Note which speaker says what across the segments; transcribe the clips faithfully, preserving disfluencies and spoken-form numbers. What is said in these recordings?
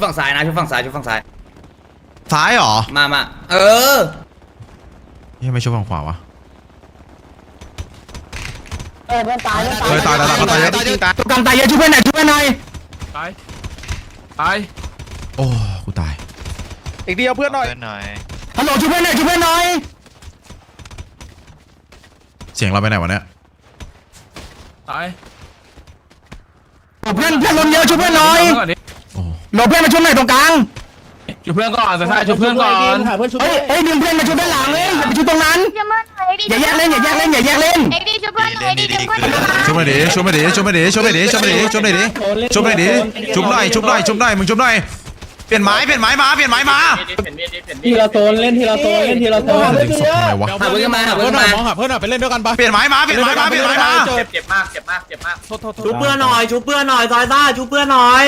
Speaker 1: ฝั่งซ้ายนะชุบฝั่งซ้ายชุบฝั่งซ้าย
Speaker 2: ซ้ายเหรอ
Speaker 1: มามาเออ
Speaker 2: ยังไม่ชุบฝั่งขวาวะ
Speaker 3: เออเพื่อนตาย
Speaker 2: เฮ้ยตายตายตายตายเยอะตายเยอะ
Speaker 1: กันตายเยอะชุบเพื่อนหน่อยชุบเพื่อนหน่อย
Speaker 4: ตายตาย
Speaker 2: โอ้กูตาย
Speaker 5: อีกเดียวเพื่อนหน่อย
Speaker 1: ฮัลโหลชุบเพื่อนหน่อยชุบเพื่อนหน่อย
Speaker 2: เสียงเราไปไหนวะเนี่ย
Speaker 4: ตาย
Speaker 1: เพื่อนเพื่อนลมเยอะชุบเพื่อนหน่อย
Speaker 2: โอ้
Speaker 1: หลบเพื่อนมาชุบหน่อยตรงกลาง
Speaker 4: ชุบเพื่อนก่อนแต่ถ้าชุบเพื่อนก่อน
Speaker 1: เฮ้ยเฮ้ยดึงเพื่อนมาชุบด้านหลังเลยอย่าไปชุบตรงนั้นอย่าแยกเล่นอย่าแยกเล่นอย่าแยกเล่น
Speaker 3: เอ็กดีชุบเพื่อนหน่อยดีชุบเพื่อนหน่อย
Speaker 2: ชุบมาดิชุบมาดิชุบมาดิชุบมาดิชุบมาดิชุบมาดิชุบมาดิชุบหน่อยชุบหน่อยชุบหน่อยมึงชุบหน่อยเปลี่ยนไม้เปลี่ยนไม้มาเปลี่ยนไม้มา
Speaker 6: ทีละโซนเล่นทีละโซนเล่นทีละโซน
Speaker 2: ดึงศพทำไมวะ
Speaker 1: หาเพื่อนมาหาเพื่อนมามองหาเพื่อนหน่อยไปเล่นด้วยกันปะ
Speaker 2: เปลี่ยนไม้มาเปลี่ยนไม้มาเปลี่ยนไม้มา
Speaker 4: เจ็บมากเจ็บมากเจ็บมาก
Speaker 1: ชุบเพื่อนหน่อยชุบเพื่อนหน่อยซอยซ่าชุบเพื่อนหน่อย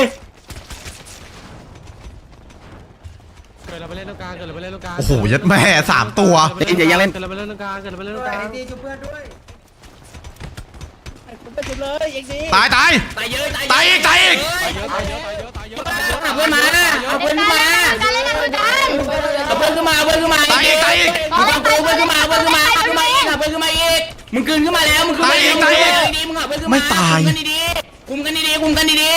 Speaker 6: เกิดเราไปเล่นตรงกลางเกิดเราไปเล่นตรงกลาง
Speaker 2: โอ้โหยัดแม่สามตัว
Speaker 1: อย่ายังเล่น
Speaker 6: เกิดเราไปเล่นตรงกลางเกิดเราไปเล่นตรงกลาง
Speaker 3: ดีชุบเพื่อนด้วย
Speaker 6: ไปชุบเลยเอ็กดี
Speaker 2: ตายตาย
Speaker 1: ตายเยอะ
Speaker 2: ตายอีกตายอีก
Speaker 1: เอาเพื่อนมาเอาเพื่อนขึ้นมาเอาเพื่อนขึ้นมาเอาเพื่อนขึ้นมา
Speaker 2: ตายอีกตายอีก
Speaker 1: มึงเอาเพื่อนขึ้นมาเอาเพื่อนขึ้นมาเอาเพื่อนขึ้นมาอีกเอาเพื่อนขึ้นมาอีกมึงกลืนขึ้นมาแล้วมึงกลืนขึ้นมาดีๆมึงเอาเพื่อนขึ้นมา
Speaker 2: ไม่ตาย
Speaker 1: คุมกันดีๆคุมกันดี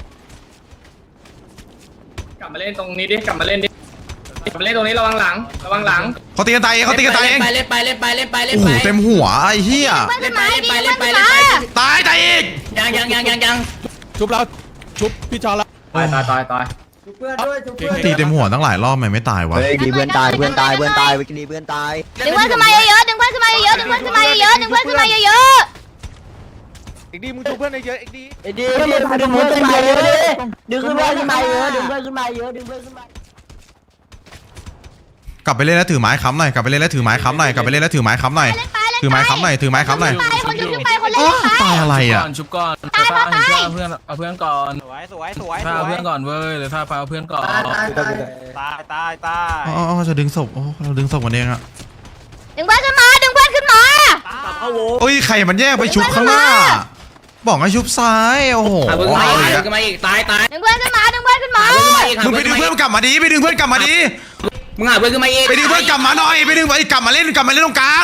Speaker 4: ๆกลับมาเล่นตรงนี้ดิกลับมาเล่นดิกลับมาเล่นตรงนี้ระวังหลังระวังหลัง
Speaker 2: เขาตีกันตายเองเขาตีกันตายเอง
Speaker 1: ไปเล่นไปเล่นไปเล่นไปเล่น
Speaker 2: โอ้โหเต็มหัวไอ้เหี้ย
Speaker 1: เล่นไปเล่นไปเล่นไปเล่นไป
Speaker 2: ตายตายอีก
Speaker 1: ยังยังยังยังยัง
Speaker 6: ชุบแล้วชุบพี่จอแล้ว
Speaker 4: ตายตายตายตาย
Speaker 3: ชุบเพื่อนด้วยชุบเพื่อน
Speaker 2: ตีเต็มหัวตั้งหลายรอบมันไม่ตายวะ
Speaker 5: เฮ้ยดีเพื่อนตายเพื่อนตายเพื่อนตายวิกฤตเพื่อนตาย
Speaker 3: ดึงเพื่อนขึ้นมาเยอะๆดึงเพื่อนขึ้นมาเยอะๆดึงเพื่อนขึ้นมาเยอะๆดึงเพื่อนขึ้นมาเยอะ
Speaker 5: อีกดีมึงชูเพื่อนเยอะอีกดี
Speaker 3: ๆดีดีดึงเพื่อนขึ้นมาเยอะๆดึงเพื่อนขึ้นมาเยอะดึงเพื่อนขึ้นมาเยอะดึงเพื่อนขึ้นมาก
Speaker 2: ลับไปเล่นแล้วถือไม้ค้ำหน่อยกลับไปเล่นแล้วถือไม้ค้ำหน่อยกลับไปเล่นแล้วถือไม้ค้ำหน่อยถือไม้ค้ำหน่อยถือไม้ค้ำหน่อย
Speaker 3: คนชุบไปคนเล่นไป
Speaker 2: ตายอะไรอ่ะ
Speaker 4: ชุบก่อนถ้าเอาเพื่อนเอาเพื่อนก่อน
Speaker 6: สวยสวยสวย
Speaker 4: ถ้าเอาเพื่อนก่อนเว้ยหรือถ้าเอาเพื่อนก่อน
Speaker 6: ตายตายตาย
Speaker 2: อ๋อจะดึงศพโอ้เราดึงศพกันเองอะ
Speaker 3: ดึงเพื่อนขึ้นมาดึงเพื่อนขึ้นมา
Speaker 2: โอ้ยใครมันแยกไปชุบข้างหน้าบอกให้ชุบซ้ายโอ้โห
Speaker 1: เอาเพื่อนขึ้นมาอีกตายตาย
Speaker 3: ดึงเพื่อนขึ้นมาดึงเพื่อนขึ้นมา
Speaker 2: มึงไปดึงเพื่อนกลับมาดิไปดึงเพื่อนกลับมาดิ
Speaker 1: มึงหาเพื่อนขึ้นมาอีก
Speaker 2: ไปดึงเพื่อนกลับมาหน่อยไปดึงไปกลับมาเล่นกลับมาเล่นตรงกลาง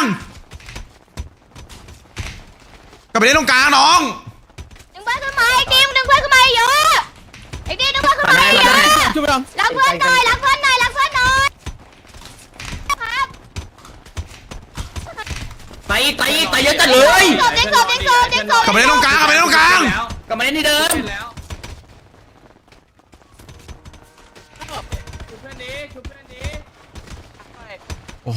Speaker 2: กลับไปเล่นตรงกลางน้อง
Speaker 3: ดึงเพื่อนขึ้นมาไอ้ดิมดึงเพื่อนขึ้นมาเยอะไอ้ดิมดึงเพื่อนขึ้นมาเยอะรักเพื่อนหน่อยรักเพื่อนหน่อยรักเพื่อนหน่อยครับ
Speaker 1: ตายตายตายเยอะจัดเลย
Speaker 3: เด็กศพเด็กศพเด็กศพ
Speaker 2: กลับไปเล่นตรงกลางกลับไปเล่นตรงกลาง
Speaker 1: กลับมาเล่นที่เดิม
Speaker 2: โอ้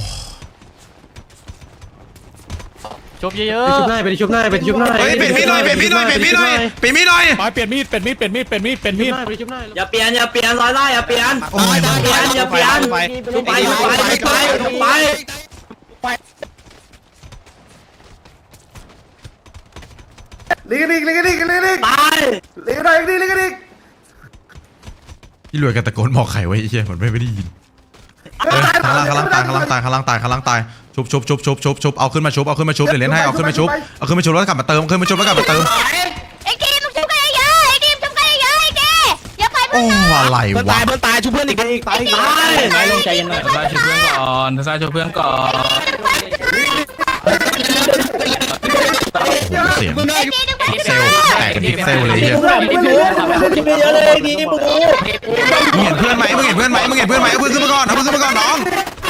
Speaker 6: ชุบเยอะๆชุบหน้าไปชุบหน้าไปชุบหน้า
Speaker 2: เฮ้ยเปลี่ยนมีดหน่อยเปลี่ยนมีดหน่อยเปลี่ยนมีดหน่อยเปลี่ยนมีดหน่อย
Speaker 6: ไปเปลี่ยนมีดเปลี่ยนมีดเปลี่ยนมีดเปลี่ยนมีดเปลี่ยนมีดไปชุบหน้า
Speaker 1: อย่าเปลี่ยนอย่าเปลี่ยนร้อยไล่อย่าเปลี่ยนอย่าเปลี่ยนอย่าเปลี่ยนทุบไปทุบไปทุบไปทุบไป
Speaker 5: ลิงลิงลิงลิงลิงลิง
Speaker 1: ตาย
Speaker 5: ลิงอะไรลิงลิงลิง
Speaker 2: พี่รวยกันตะโกนบอกไข่ไว้ไอ้เหี้ยเหมือนไม่ได้ยินข้างล่างข้างล่างตายข้างล่างตายข้างล่างตายข้างล่างตายชุบชุบชุบชุบชุบชุบเอาขึ้นมาชุบเอาขึ้นมาชุบเดี๋ยวเล่นให้เอาขึ้นมาชุบเอาขึ้นมาชุบแล้วกลับมาเติมขึ้นมาชุบแล้วกลับมาเติม
Speaker 3: ไอ้กีมชุบกันเยอะไอ้กีมชุบกันเยอะไอ้กีอย่าไปเพื่อน
Speaker 2: โอ้อะไรวะ
Speaker 1: ตายเพื่อนตายชุบเพื่อนอีกอีกตายตายตายลงใจเย็นหน่อย
Speaker 4: ทศายชุบเพื่อนก่อนทศายชุบเพื่อนก่อน
Speaker 2: เสียงเซลแตกเป็นพิกเซลเลยเฮียมึงเห็นเพื่อนไหมมึงเห็นเพื่อนไหมมึงเห็นเพื่อนไหมเอาเพื่อนขึ้นมาก่อนเอาเพื่อนขึ้นมาก่อนน้อง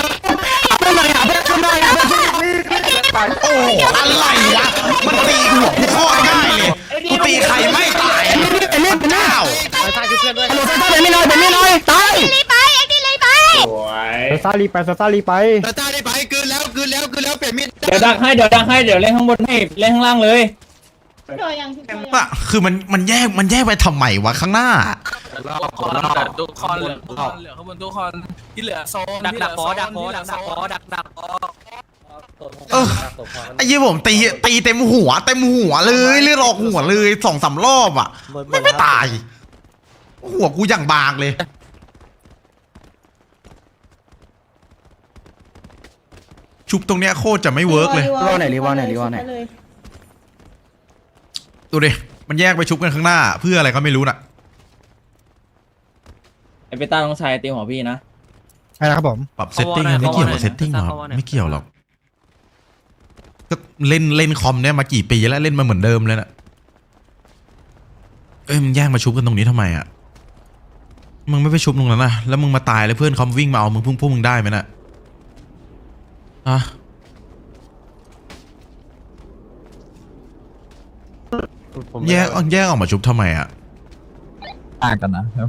Speaker 2: โอ้อะไรวะมันตีหัวกูโคตรง่ายเลยกูตีใครไม่ตายเป็นเล่นเป็นเล่า
Speaker 6: ตายชุบเพื่อนด้วย
Speaker 1: ฮัลโหลซาซ่าเป็นไม่น้อยเป็นไม่น้อยตาย
Speaker 3: รีไปไอ้กีรีไป
Speaker 6: ซาลีไปซาลีไป
Speaker 2: ซาซ่าได้ไปคืนแล้วคืนแล้วคืนแล้วเปลี่ยนมีด
Speaker 4: เดี๋ยวดักให้เดี๋ยวดักให้เดี๋ยวเล่นข้างบนให้เล่นข้างล่างเลย
Speaker 2: อะคือมันมันแยกมันแยกไปทำไมวะข้างหน้า
Speaker 4: เราคอนแต่ทุกคอนเหลือเหลือข้างบนทุกคอนที่เหลือโซน
Speaker 1: ดักดักฟอดักฟอดักดักฟอดักดักฟอ
Speaker 2: เออไอ้ยี่ผมตีตีเต็มหัวเต็มหัวเลยเลือดออกหัวเลยสองสามรอบอ่ะไม่ไม่ตายหัวกูอย่างบางเลยชุบตรงเนี้ยโคตรจะไม่เวิร์กเลย
Speaker 1: รีวอลไหนรีวอลไหนรีวอลไหน
Speaker 2: ดูดิมันแยกไปชุบกันข้างหน้าเพื่ออะไรก็ไม่รู้น่ะ
Speaker 1: ไอเปต้าน้องชายตีหัวพี่นะ
Speaker 7: ใช่ครับผม
Speaker 2: ปรับเซตติ้งอะไม่เกี่ยวกับเซตติ้งหรอกไม่เกี่ยวหรอกก็เล่นเล่นคอมเนี่ยมากี่ปีแล้วเล่นมาเหมือนเดิมเลยน่ะเอ้ยมึงแย่งมาชุบกันตรงนี้ทำไมอ่ะมึงไม่ไปชุบตรงนั้นนะแล้วมึงมาตายแล้วเพื่อนเขาวิ่งมาเอามึงพุ่งพวกมึงได้ไหมน่ะอะ แยกแยกออกมาชุบทำไมอ่ะ
Speaker 7: ต่างกันนะครับ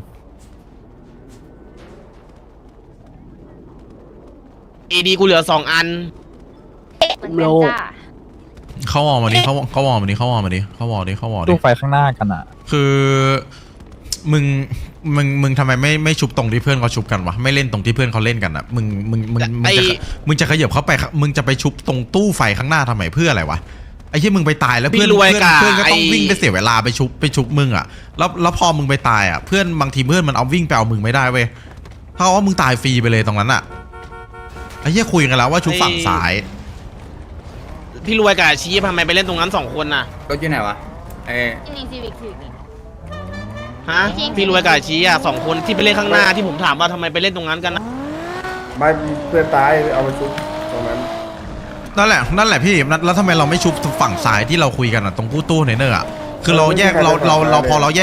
Speaker 8: เอดีกูเหลือสองอัน
Speaker 3: โล
Speaker 2: เขาวอลมาดิเขาเขาวอลมาดิเขาวอลมาดิเขาวอลดิเขาวอลดิ
Speaker 7: ตู้ไฟข้างหน้ากันอ่ะ
Speaker 2: คือมึงมึงมึงทำไมไม่ไม่ชุบตรงที่เพื่อนเขาชุบกันวะไม่เล่นตรงที่เพื่อนเขาเล่นกันอ่ะมึงมึงมึงมึงจะมึงจะขยับเข้าไปมึงจะไปชุบตรงตู้ไฟข้างหน้าทำไมเพื่ออะไรวะไอ้ที่มึงไปตายแล้วเพื่อนเพื่อนเพื่อนก็ต้องวิ่งไปเสียเวลาไปชุบไปชุบมึงอ่ะแล้วแล้วพอมึงไปตายอ่ะเพื่อนบางทีเพื่อนมันเอาวิ่งไปเอามึงไม่ได้เว้ยเท่ากับว่ามึงตายฟรีไปเลยตรงนั้นอ่ะไอ้ที่คุยกันแล้วว่าชุบฝั่งซ้าย
Speaker 8: พี่รวยกับชี้ทำไมไปเล่นตรงนั้นสองคนน่ะ
Speaker 1: รถอยู่ไหนวะเอ
Speaker 3: จริงซีวิกซีวิก
Speaker 8: ฮะพี่รวยกับชี้อ่ะสองคนที่ไปเล่นข้างหน้าที่ผมถามว่าทำไมไปเล่นตรงนั้นกันนะ
Speaker 5: ไม่เพื่อนตายเอาไปชุบตรงนั้น
Speaker 2: นั่นแหละนั่นแหละพี่แล้วทำไมเราไม่ชุบฝั่งซ้ายที่เราคุยกันอ่ะตรงกู้ตู้เนเนอร์อ่ะคือเราแยกเราเราเราพอเราแยก